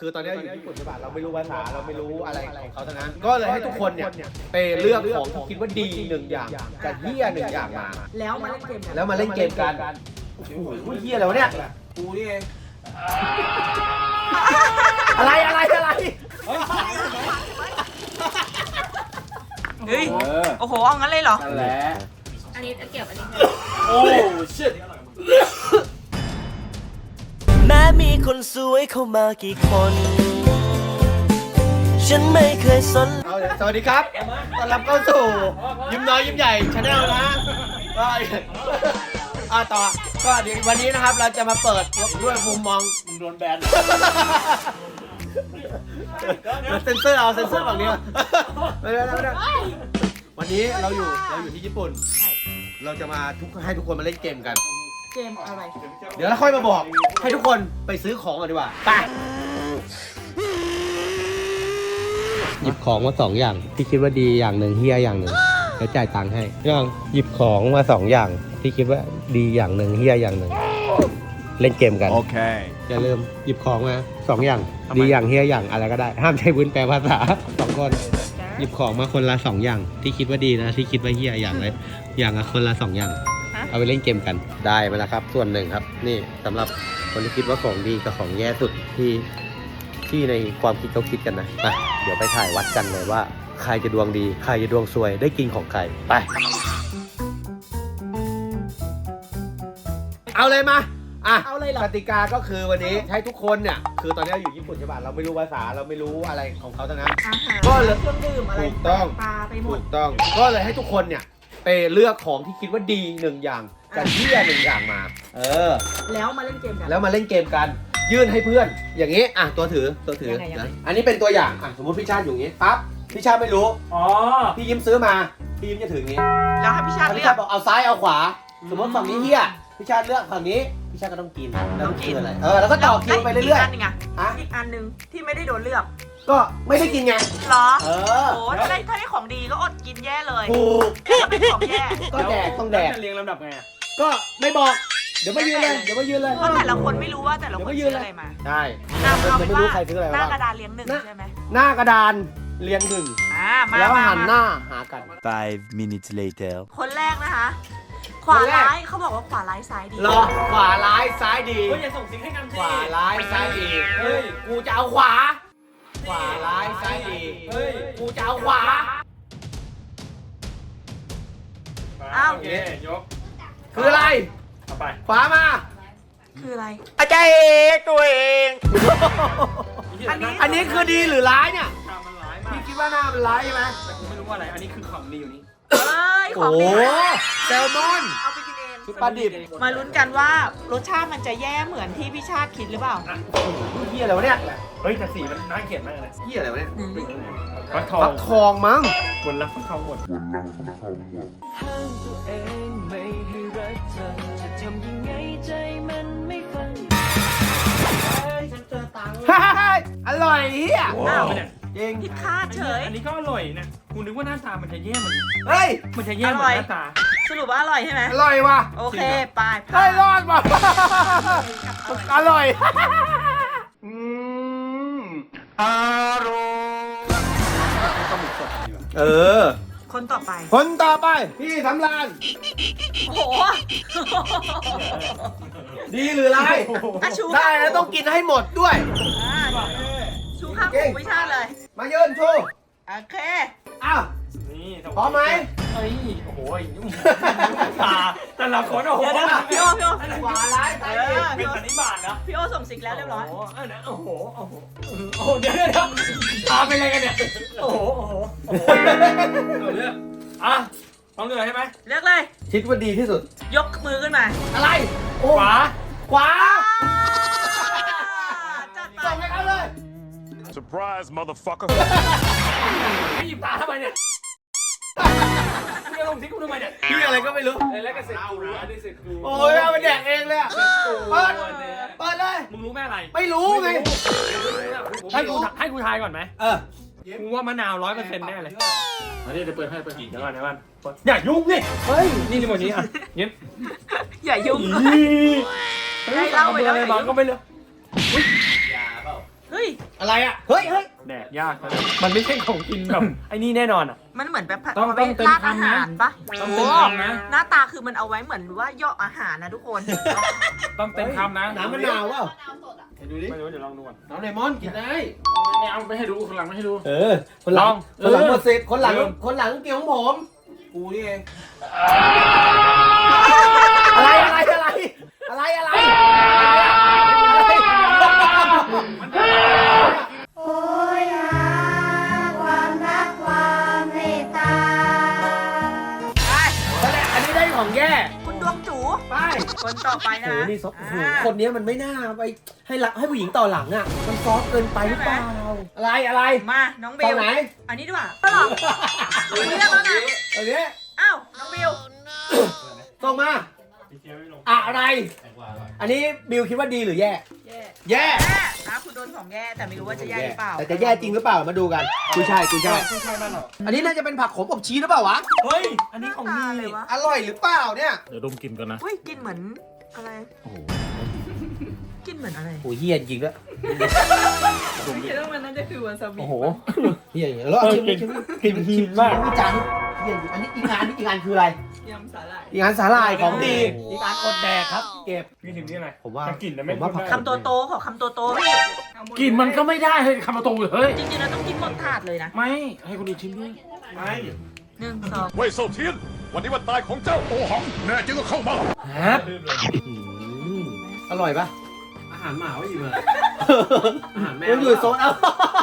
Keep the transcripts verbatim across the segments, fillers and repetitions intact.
คือตอนนี้อยู่ญี่ปุ่นใช่ป่ะเราไม่รู้ภาษาเราไม่รู้อะไรของเขาทั้งนั้นก็เลยให้ทุกคนเนี่ยไปเลือกของที่คิดว่าดีหนึ่งอย่างกับเฮียหนึ่งอย่างมาแล้วมาเล่นเกมกันแล้วมาเล่นเกมกันโอ้โหเฮียอะไรวะเนี่ยกูนี่เองอะไรอะไรอะไรเฮ้ยโอ้โหเอางั้นเลยเหรอนั่นแหละอันนี้เกี่ยวอันนี้โอ้ชิตแม้มีคนสวยเข้ามากี่คนฉันไม่เคยสนเอาสวัสดีครับต้อนรับเข้าสู่ยิ้มน้อยยิ้มใหญ่ชาแนลนะก็อ่าต่อก็เดี๋ยววันนี้นะครับเราจะมาเปิดด้วยมุมมองมึงโดนแบนเซนเซอร์เอาเซนเซอร์ฝั่งนี้ไม่ได้ไม่ได้วันนี้เราอยู่เราอยู่ที่ญี่ปุ่นเราจะมาทุกให้ทุกคนมาเล่นเกมกันเกมอะไรเดี๋ยวเราค่อยมาบอกให้ทุกคนไปซื้อของกันดีกว่าไปหยิบของมาสองอย่างที่คิดว่าดีอย่างหนึ่งเฮียอย่างหนึ่งแล้วจ่ายตังค์ให้ยังหยิบของมาสองอย่างที่คิดว่าดีอย่างหนึ่งเฮียอย่างหนึ่งเล่นเกมกันโอเคอย่าลืมหยิบของมาสองอย่างดีอย่างเฮียอย่างอะไรก็ได้ห้ามใช้วุ้นแปลภาษาสองคนหยิบของมาคนละสองอย่างที่คิดว่าดีนะที่คิดว่าเฮียอย่างเลยอย่างละคนละสองอย่างเอาไปเล่นเกมกันได้มาแล้วครับส่วนหนึ่งครับนี่สำหรับคนที่คิดว่าของดีกับของแย่สุดที่ที่ในความคิดเขาคิดกันนะไปเดี๋ยวไปถ่ายวัดกันเลยว่าใครจะดวงดีใครจะดวงซวยได้กินของใครไปเอาเลยมาอ่ะเอาเลยเหรอกติกาก็คือวันนี้ให้ทุกคนเนี่ยคือตอนนี้อยู่ญี่ปุ่นใช่ป่ะเราไม่รู้ภาษาเราไม่รู้อะไรของเขาทั้งนั้นก็เลยเครื่องดื่มอะไรถูกต้องปลาไปหมดถูกต้องก็เลยให้ทุกคนเนี่ยไปเลือกของที่คิดว่าดีหนึ่งอย่างกับเหี้ยหนึ่งอย่างมาเออแล้วมาเล่นเกมกันแล้วมาเล่นเกมกันยื่นให้เพื่อนอย่างนี้อ่ะตัวถือตัวถือนะอันนี้เป็นตัวอย่างอ่ะสมมติพี่ชาติอยู่อย่างนี้ปั๊บพี่ชาติไม่รู้อ๋อพี่ยิ้มซื้อมาพี่ยิ้มจะถืออย่างนี้แล้วให้พี่ชาติเลือกบอกเอาซ้ายเอาขวาสมมติฝั่งนี้เหี้ยพี่ชาติเลือกฝั่งนี้พี่ชาติก็ต้องกินต้องกินอะไรเออแล้วก็ต่อคิวไปเรื่อยๆอีกอันนึงอ่ะอีกอันนึงที่ไม่ได้โดนเลือกก็ไม่ได้กินไงหรอเออโอ้ถ้าได้ถ้าได้ของดีก็อดกินแย่เลยถูกเป็นของแย่ก็แดกต้องแดกเรียงลำดับไงก็ไม่บอกเดี๋ยวมายืนเลยเดี๋ยวมายืนเลยเพราะแต่ละคนไม่รู้ว่าแต่ละคนซื้ออะไรมาใช่เราไม่รู้ใครซื้ออะไรหน้ากระดานเรียงหนึ่งใช่ไหมหน้ากระดานเรียงหนึ่งแล้วหันหน้าหากัน five minutes later คนแรกนะคะขวาร้ายเขาบอกว่าขวาร้ายซ้ายดีรอขวาร้ายซ้ายดีเฮ้ยอย่าส่งซิงให้กันสิขวาร้ายซ้ายดีเฮ้ยกูจะเอาขวาขวาร้ายซ้ายดีเฮ้ยกูจะเอาขวาอ้าวโอเคยกคืออะไรเอาไปขวามาคืออะไรอาจารย์เองตัวเองอันนี้อันนี้คือดีหรือร้ายเนี่ยพี่คิดว่าหน้ามันร้ายใช่ไหมแต่กูไม่รู้ว่าอะไรอันนี้คือของดีอยู่นี่เอ้ยของดีแซลมอนเอาไปกินเองชุดปลาดิบมาลุ้นกันว่ารสชาติมันจะแย่เหมือนที่พี่ชาติคิดหรือเปล่าเฮียอะไรวะเนี่ยเฮ้ยแต่สีมันน่าเกลียดมากเลยเฮียอะไรวะเนี่ยฟักทองฟักทองมั้งบนรักฟักทองหมดบนรักฟักทองหมดห้ามตัวเองไม่ให้รักเธอจะทำยังไงใจมันไม่ฟังฉันเจอตังค์อร่อยเฮียอ้าวจริงผิดคาดเฉยอันนี้ก็อร่อยนะกูนึกว่าหน้าตามันจะแย่มันเฮ้ยมันจะแย่เหมือนหน้าตาสรุปว่าอร่อยใช่ไหมอร่อยว่ะโอเคไปได้รอดว่ะอร่อยอืมอร่อยเออคนต่อไปคนต่อไปพี่สำราญโอ้โหดีหรือไรได้แล้วต้องกินให้หมดด้วยชูข้าวหมูไม่ใช่เลยมายืนชูโอเคอ้าวนี่พร้อมไหมเฮ้ยโอ้โหตาแต่ละคนโอ้โหพี่โอพี่โอขวาร้ายซ้ายดีเป็นสันนิบาตนะพี่โอส่งสิกแล้วเรียบร้อยโอ้โหโอ้โหโอ้โหโอ้โหเดี๋ยวเดี๋ยวตาเป็นอะไรกันเนี่ยโอ้โหโอ้โหโอ้โหเลือกอ่ะต้องเลือกใช่ไหมเลือกเลยคิดว่าดีที่สุดยกมือขึ้นมาอะไรขวาขวาจัดไปส่งให้เขาเลย surprise motherfucker ไม่หยิบตาทำไมเนี่ยพี่จะลงทิ้งกูทำไมเนี่ยพี่อะไรก็ไม่รู้แล้วก็เสร็จกูอันนี้เสร็จกูโอ้ยเอาไปแดกเองเลยเปิดเปิดเลยมึงรู้แม่อะไรไม่รู้ไงให้กูให้กูทายก่อนไหมเออกูว่ามะนาวร้อยเปอร์เซ็นต์แน่เลยอันนี้จะเปิดให้เปิดเดี๋ยวก่อนเดี๋ยวก่อนอย่ายุ่งนี่เฮ้ยนี่ที่หมดนี้อ่ะเงี้ยอย่ายุ่งได้เล่าไปแล้วบ้างก็ไม่เลือกยาเปล่าเฮ้ยอะไรอ่ะ เฮ้ยเฮ้ยแดกยากนะมันไม่ใช่ของกินแบบไอ้นี่แน่นอนอ่ะมันเหมือนแบบผัดต้องเอาไว้ต้องเต็มราดอาคำนะหารปะต้องโอ้เต็มคำนะหน้าตาคือมันเอาไว้เหมือนว่าย่ออาหารนะทุกคนต้องเต็มคำนะน้ำมะนาวเปล่าดูดิไม่รู้เดี๋ยวลองดูก่อนน้ำเลมอนกินได้ไม่เอาไม่ให้ดูคนหลังไม่ให้ดูเออ คนหลัลงองคนหลังเออหมดสิทธิ์คนหลังเออคนหลังเกี่ยวของผม กูนี่เอง อะไรอะไรอะไร อะไรอะไรโอ้ยหาความรักความเมตตาอันนี้ได้ของแย่คุณดวงจูไปคนต่อไปโอ้นะโหนี่ซอฟโอ้โหอ่าคนนี้มันไม่น่าไปให้รักให้ผู้หญิงต่อหลังอ่ะ มันซอฟเกินไปหรือเปล่า อะไรอะไรมาน้องบิตอวนไหนอันนี้ดีกว่าก็หรอคุณเลือกแล้วนะอันนี้อ้าวน้องบิวส่งมา อะไร อันนี้บิวคิดว่าดีหรือแย่แย่แย่แย่นะคุณโดนของแย่แต่ไม่รู้ว่าจะแย่หรือเปล่าแต่จะแย่จริงหรือเปล่า มาดูกันกุยช่ายกุยช่ายไม่ใช่บ้านเราอันนี้น่าจะเป็นผักขมอบชีสหรือเปล่าวะเฮ้ยอันนี้ของหน้าดีตาเลยวะอร่อยหรือเปล่าเนี่ยเดี๋ยวดมกลิ่นก่อนนะอุ้ยกินเหมือนอะไรกินเหมือนอะไรโอ้ยเฮียจริงด้วยคิดว่ามันน่าจะคือวาซาบิโอ้โหเฮียอย่างเงี้ยแล้วเอาเออชิมกลิ่นชิมกลิ่นหินมากวิจารณ์เฮียอันนี้อีกงานนี้อีกงานคืออะไรยำสาหร่ายอีกงานสาหร่ายของดี อีกงานอดแดกครับ เก็บพี่ถึงนี่อะไรผมว่าแต่กลิ่นนะไม่ผมว่าผักคำโตโตๆขอคำโตโตๆพี่กลิ่นมันก็ไม่ได้เฮ้ยคำมาตรงเลยเฮ้ยจริงๆเราต้องกินหมดถาดเลยนะไม่ให้คนอื่นชิมด้วยไม่หนึ่งสองเว่ยเซาเทียน วันนี้วันตายของเจ้าโอหัง แน่จริงก็เข้ามาฮะอืมอร่อยปะอาหารหมาว่าอยู่เลยอาหารแมวมันอยู่โซนเอา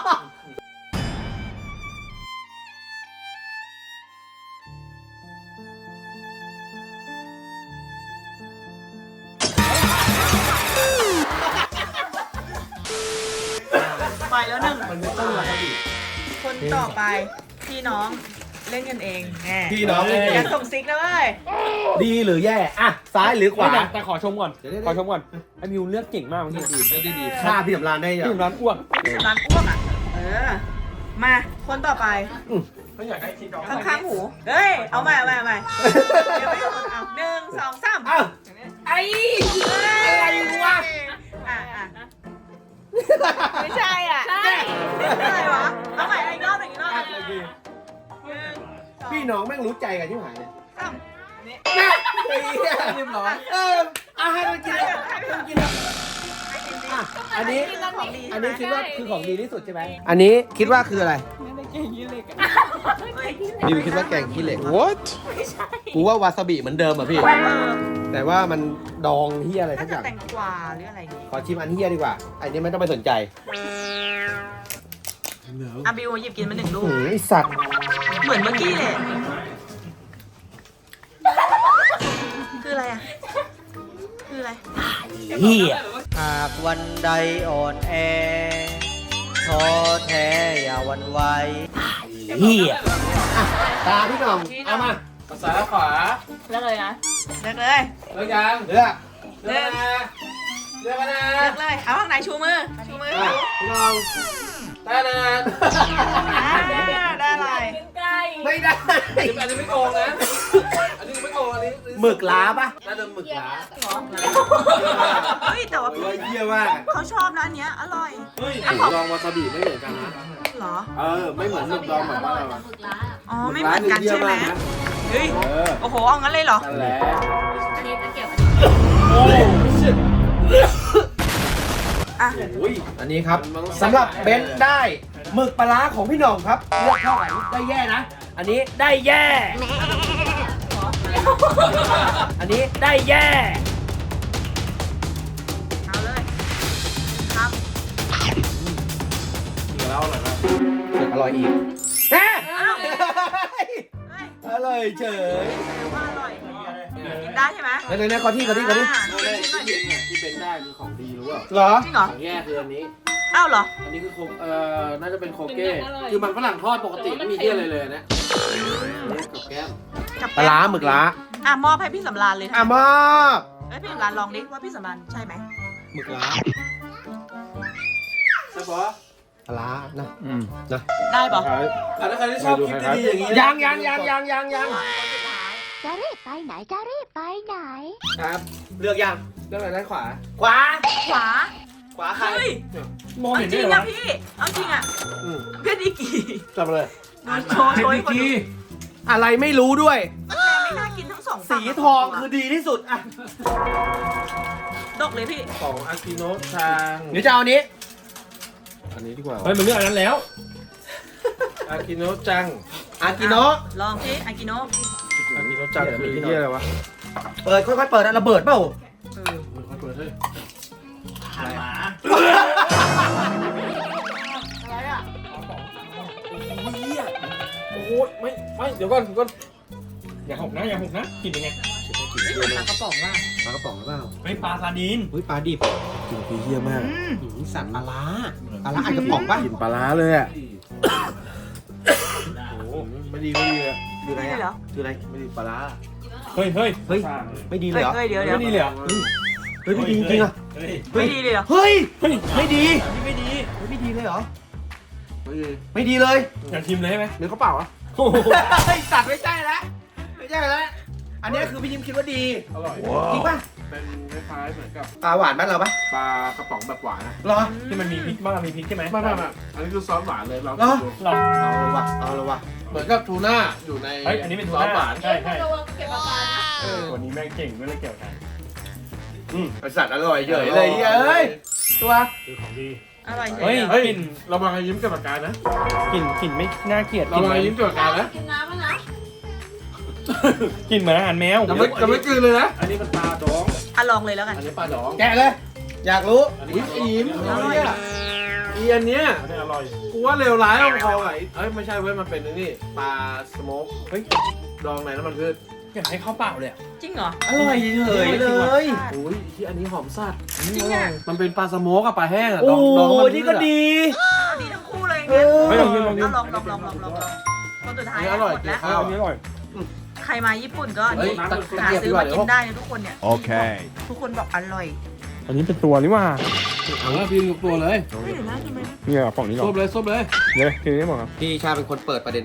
ไปแล้วหนึ่งมันไม่ต้องอะไรดิคนต่อไปพี่น้องเล่นกันเองแน่พี่น้องเล่นเองอย่าส่งซิกนะเว้ยดีหรือแย่ อ่ะ ซ้ายหรือขวาแต่แต่ขอชมก่อนเดี๋ยวๆขอชมก่อนไอ้มิวเลือกเก่งมากเมื่อกี้ดีเรื่องดีฆ่าพี่สำรานได้ยังที่ร้านอ้วกร้านอ้วกอ่ะ เออ มาคนต่อไปไม่อยากได้ชิ้นดอกข้างๆหู เฮ้ย เอาใหม่เอาใหม่เอาใหม่เดี๋ยวไม่ถูกเอาหนึ่งสองสามอ้าวไอ้ อะไรวะอ่ะอ่ะไม่ใช่อ่ะ ใช่อะไรวะ เอาใหม่อีกรอบหนึ่งอีกรอบหนึ่งหนึ่งสองพี่น้องแม่งรู้ใจกันที่หายเลยสามแม่ไอ้เหี้ยเรียบร้อยเอออาให้มันกินเลยให้มันกินเลยอ่ะอันนี้ของดีอันนี้คิดว่าคือของดีที่สุดใช่ไหม อันนี้คิดว่าคืออะไรเฮ้ยดิวคิดว่าแกงขี้เหล็ก what กูว่าวาซาบิเหมือนเดิมอ่ะพี่เออแต่ว่ามันดองเฮียอะไรน่าทั้งอจะย่างแตงกวาหรืออะไรอย่างงี้ขอชิมอันเฮียดีกว่า อันนี้ไม่ต้องไปสนใจอ่ะบิวหยิบกินมาหนึ่งลูกหือไอสัตว์เหมือนเมื่อกี้เลย คืออะไรอ่ะ คืออะไรเฮียหากวันใดอ่อนแอท้อแท้อย่าหวันไหวเฮียอ่ะตาพี่หน้องเอามาๆภาษาขวาเลือกเลยนะ เลือกเลยเลิกยังเลือกเลือกเลิกกันนะเลือกเลย เอาข้างไหนชูมือ ชูมืออ่ะพี่หน้องได้นะอ่าได้อะไรไม่ได้อันนี้ไม่โกงนะ อันนี้ไม่โกงอันนี้หมึกล้าปะน่าจะหมึกหลาเฮ้ย แต่ว่าโอ้ยเฮียมากเขาชอบนะอันเนี้ย อร่อยเฮ้ยหมึกดองวาซาบิไม่เหมือนกันนะเหรอเออ ไม่เหมือนหมึกดองเหมือนบ้านเราอะอ๋อ ไม่เหมือนกันใช่ไหมนะเฮ้ยเออโอ้โห เอางั้นเลยเหรอนั่นแหละโอ้ยอ่ะโอ้ยอันนี้ครับสำหรับเบนซ์ได้หมึกปลาร้าของพี่หน่องครับเลือกเท่าไหร่ได้แย่นะ อันนี้ได้แย่ อันนี้ได้แย่เอาเลย ครับกินแล้วอร่อยมากอร่อยอีกแฮะอ้าว เฮ้ยอร่อยเฉยแปลว่าอร่อย กินได้ใช่ไหมแล้วไหนๆขอที่ขอที่ขอที่อ่าไม่ได้ที่จริงเนี่ยที่เป็นได้คือของดีรู้เปล่าเหรอจริงเหรอของแย่คืออันนี้อ้าวเหรออันนี้คือโคเอ่อ น่าจะเป็นโคเก้ คือมันฝรั่งทอดปกติไม่มีเที่ยอะไรเลยนะนี่กับแก้มกับปลาร้าหมึกล้าอ่ะมอบให้พี่สำราญเลยอ่ะมอบเอ้ยพี่สำราญลองดิว่าพี่สำราญใช่ไหมหมึกล้าใช่ปะปลาร้านะอืมนะได้ปะอ่ะถ้าใครที่ชอบคลิปดีๆอย่างนี้นะยังยังยังยังยังยังจะรีบไปไหนจะรีบไปไหนครับ เลือกยังเรื่องอะไรด้านขวาขวาขวาขขวาใครเฮ้ยมองเอาเห็นจได้ริงเหรอนะพี่เอาจริงอ่ะอืมเพื่อนดีกี่จับมาเลยโชว์โชว์ให้คนดูอะไรไม่รู้ด้วยมันแม่ไม่น่ากินทั้งสองสีทองคือดีที่สุดอ่ะดกเลยพี่ของอากิโนะทางหรือจะเอาอันนี้อันนี้ดีกว่าเฮ้ยมันเลือกอันนั้นแล้วอากิโนะจังอากิโนะลองสิอากิโนะอากิโนะจังคือที่อะไรวะเปิดค่อยๆเปิดนะระเบิดเปล่าเออค่อยเปิดเฮ้ยอะไรอ่ะโอ้ยเหี้ยโอ้ยไม่ไม่เดี๋ยวก่อนเดี๋ยวก่อนอย่าหกนะอย่าหกนะกินยังไงนี่เหมือนปลากระป๋องว่ะปลากระป๋องหรือเปล่าเฮ้ยปลาซาดีนเฮ้ยปลาดิบกลิ่นคือเยี่ยมากอืมหืมสั่นปลาร้าปลาร้าอันกระป๋องป่ะกลิ่นปลาร้าเลยอ่ะโอ้โหไม่ดีไม่ดีเลยคืออะไรนี่เหรออ่ะคืออะไรไม่ดีปลาร้าเฮ้ยเฮ้ยเฮ้ย ไม่ดีเลยเฮ้ยเหรอเฮ้ยเดี๋ยวเดี๋ยวไม่ดีเลยเหรอเฮ้ยไม่ดีจริงๆอ่ะเฮ้ยไม่ดีเลยเหรอเฮ้ยเฮ้ยไม่ดีนี่ไม่ดีเฮ้ยไม่ดีเลยเหรอไม่ดีไม่ดีเลยอยากชิมเลยใช่ไหมเนื้อเขาเปล่าอ่ะโอ้โหเฮ้ยตัดไม่ใช่แล้วไม่ใช่แล้วอันนี้คือพี่ยิ้มคิดว่าดีอร่อยจริงป่ะเป็นคล้ายๆเหมือนกับปลาหวานบ้านเราป่ะปลากระป๋องแบบหวานนะเหรอที่มันมีพริกบ้างมีพริกใช่ไหมไม่ไม่ไม่อันนี้คือซอสหวานเลยเราเหรอดูเราเอาละวะเอาละวะเหมือนกับทูน่าอยู่ในเฮ้ยอันนี้เป็นซซออสสหวานใช่ใช่เออวันนี้แม่งเก่งไม่เลยเกี่ยวกันอืมไอสัตว์อร่อยเฉยเลยเฮ้ยตัวคือของดีอร่อยเฮ้ยเลยเฮ้ยกลิ่นเรามายิ้มกับปากกานะกลิ่นกลิ่นไม่น่าเกลียดเรามายิ้มกับปากกานะกินน้ำมั้ยนะกลิ่นเหมือนอาหารแมวจะไม่จะไม่กลืนเลยนะอันนี้มันปลาดองอ่ะลองเลยแล้วกันอันนี้ปลาดองแกะเลย อยากรู้อุ้ยไอ้ยิ้มอร่อยเนี่ยอีอันเนี้ยอันนี้อร่อยกูว่าเลวร้ายเอาพอไงเอ้ยไม่ใช่เว้ยมันเป็นไอ้นี่ปลาสโมกเฮ้ยดองในน้ำมันพืชอยากให้ข้าวเปล่าเลยอะจริงเหรออร่อยเฉยเลยอุ้ยที่อันนี้หอมสัตว์จริงอ่ะมันเป็นปลาสโมกกับปลาแห้งอะโอ้ดองดองน้ำมันพืชนี่ก็อะดีเอาดีทั้งคู่เลยอย่างเงี้ยเออเฮ้ยลองกินลองกินเอาลองลองลองลองลองลองคนสุดท้ายอันนี้อร่อยหมดแล้วจริงอันนี้อร่อยใครมาญี่ปุ่นก็เฮ้ยนี่ตะหาเกียบซื้ดีอกว่ามาเดี๋ยกิวนได้นะทุกคนเนี่ยโอเคทุกคนบอกอร่อยอันนี้เป็นตัวนี่ว่าเอาละพี่ยกตัวเลยเฮ้ยเดี๋ยวนะทำไมเนี่ยฝั่งนี้ก่ซอบ นเลยซบเลยเดี๋ยวทีนี้บอกครับพี่ชาเป็นคนเปิดประเด็น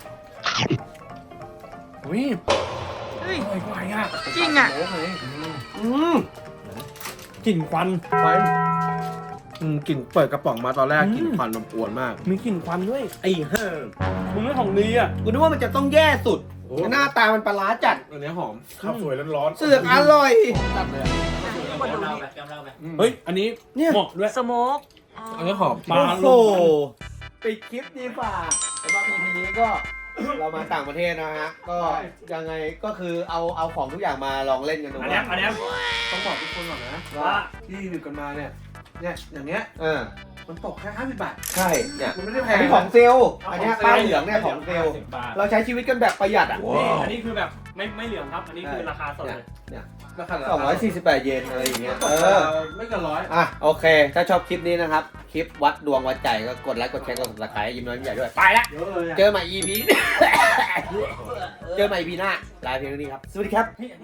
อุ้ยเฮ้ยอร่อยกว่าอ่ะจริงอ่ะโอ้โหอืมกลิ่นควันควันอืมกลิ่นเปิดกระป๋องมาตอนแรกอืมกลิ่นควันมันอวนมากมีกลิ่นควันด้วยไอ้เฮ้อมึงไม่ของดีอ่ะกูนึกว่ามันจะต้องแย่สุดโอ้หน้าตามันปลาร้าจัดอันนี้หอมข้าวสวยร้อนเสือกอร่อยจัดเลยอะทุกคนดูนี่อืมเฮ้ย อันนี้เนี่ยเหมาะด้วยสโมกอันนี้หอมปลาโอ้โหลงปิดคลิปดีฝ่าสำหรับ อี พี นี้ก็ เรามาต่างประเทศนะฮะ ก็ยังไงก็คือเอาเอาของทุกอย่างมาลองเล่นกันดูอันเนี้ยว่าอันเนี้ยต้องบอกทุกคนก่อนนะว่าที่รีวิวกันมาเนี่ย เนี่ยอย่างเงี้ยเออมันตกแค่ห้าสิบบาทใช่เนี่ยมันไม่ได้แพอันงนี้ของเซลล์อันเนี้ยป้ายเหลืองเนี่ยของเซลล์สิบบาทเราใช้ชีวิตกันแบบประหยัดอ่ะนี่อันนี้คือแบบไม่ไม่เหลืองครับ อันนี้คือราคาสดเลยราคาสองร้อยสี่สิบแปดเยนอะไรอย่างเงี้ยตกเอเอออไม่เกินร้อยอ่ะโอเค ถ้าชอบคลิปนี้นะครับ คลิปวัดดวงวัดใจก็กดไลค์กดแชร์กด subscribe ยิ้มน้อยยิ้มใหญ่ด้วย ไปละเยอะเลยอะเจอใหม่ อี พี เจอใหม่ อี พี หน้าลาเพียงเท่านี้ครับ สวัสดีครับ